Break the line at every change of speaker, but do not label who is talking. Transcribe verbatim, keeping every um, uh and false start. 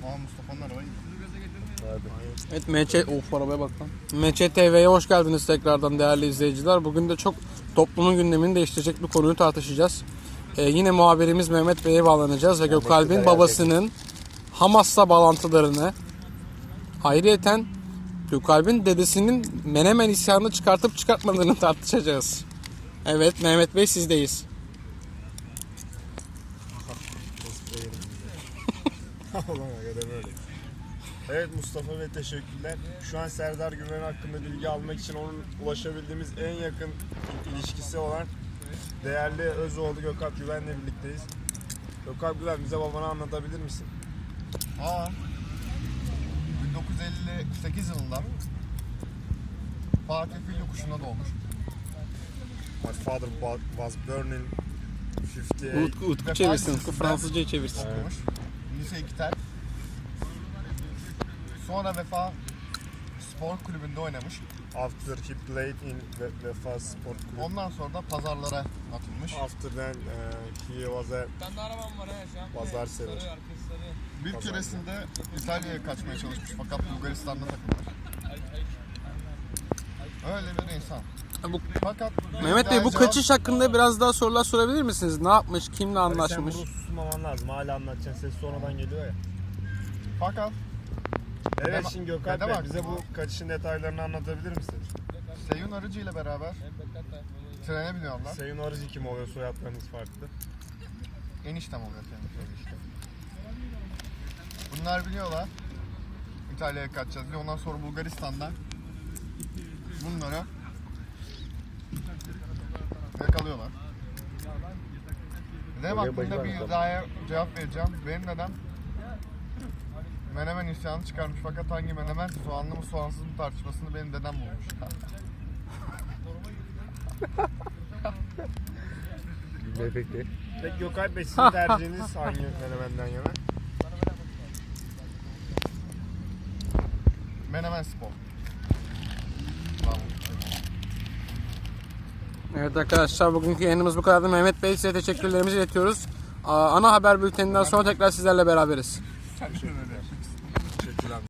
Aa Mustafa'nın arabayı.
Evet M Ç of arabaya bak lan. M Ç T V'ye hoş geldiniz tekrardan değerli izleyiciler. Bugün de çok toplumun gündemini değiştirecek bir konuyu tartışacağız. Ee, yine muhabirimiz Mehmet Bey'e bağlanacağız ve Gökalp'in babasının Hamas'la bağlantılarını, ayrıyeten Gökalp'in dedesinin Menemen isyanını çıkartıp çıkartmadığını tartışacağız. Evet Mehmet Bey sizdeyiz.
Evet Mustafa Bey teşekkürler. Şu an Serdar Güven hakkında bilgi almak için onun ulaşabildiğimiz en yakın ilişkisi olan değerli Özoğlu Gökalp Güven'le birlikteyiz. Gökalp Güven bize babanı anlatabilir misin?
Aa. bin dokuz yüz elli sekiz yılında Fatih Fil Yokuşu'nda doğmuş.
My father was born in fifty-eight.
Utku, Utku çevirsin, Utku Fransızcayı çevirsin.
Okumuş. Lise iki'ten. Sonra Vefa Spor Kulübü'nde oynamış.
After he played in Ve- Vefa Sport Club.
Ondan sonra da pazarlara atılmış.
After then uh, he was a
Ben de arabam var ha şu an.
pazar sever.
Sarı arkası sarı.
Bir keresinde İtalya'ya kaçmaya çalışmış fakat Bulgaristan'da takılmış. Öyle bir insan.
Bu,
Fakat
Mehmet Bey bu
cevap-
kaçış hakkında biraz daha sorular sorabilir misiniz? Ne yapmış, kimle
Abi sen
anlaşmış?
bunu susmaman lazım. Hala anlatacaksın. Ses sonradan geliyor ya.
Fakat
Evet
Dede-
şimdi Gökalp
dede
Bey
bak.
bize bu kaçışın detaylarını anlatabilir misin?
Seyun Arıcı ile beraber trene biniyorlar.
Sayın Arıcı kim oluyor? Soyadlarınız farklı.
Eniştem oluyor kendisi işte. Bunlar biliyorlar. İtalya'ya kaçacağız diye. Ondan sonra Bulgaristan'dan bunları yakalıyorlar. Dedem hakkında bir iddiaya cevap vereceğim. Benim dedem Menemen isyanı çıkarmış fakat hangi menemen soğanlı mı soğansız mı tartışmasını benim dedem bulmuş.
Peki Gökalp Bey sizin tercihiniz hangi menemenden yana?
Menemen Spor. Bravo.
Evet arkadaşlar bugünkü yayınımız bu kadardı. Mehmet Bey size teşekkürlerimizi iletiyoruz. Aa, Ana haber bülteninden sonra tekrar sizlerle beraberiz.
Sen şöyle de.
Teşekkürler.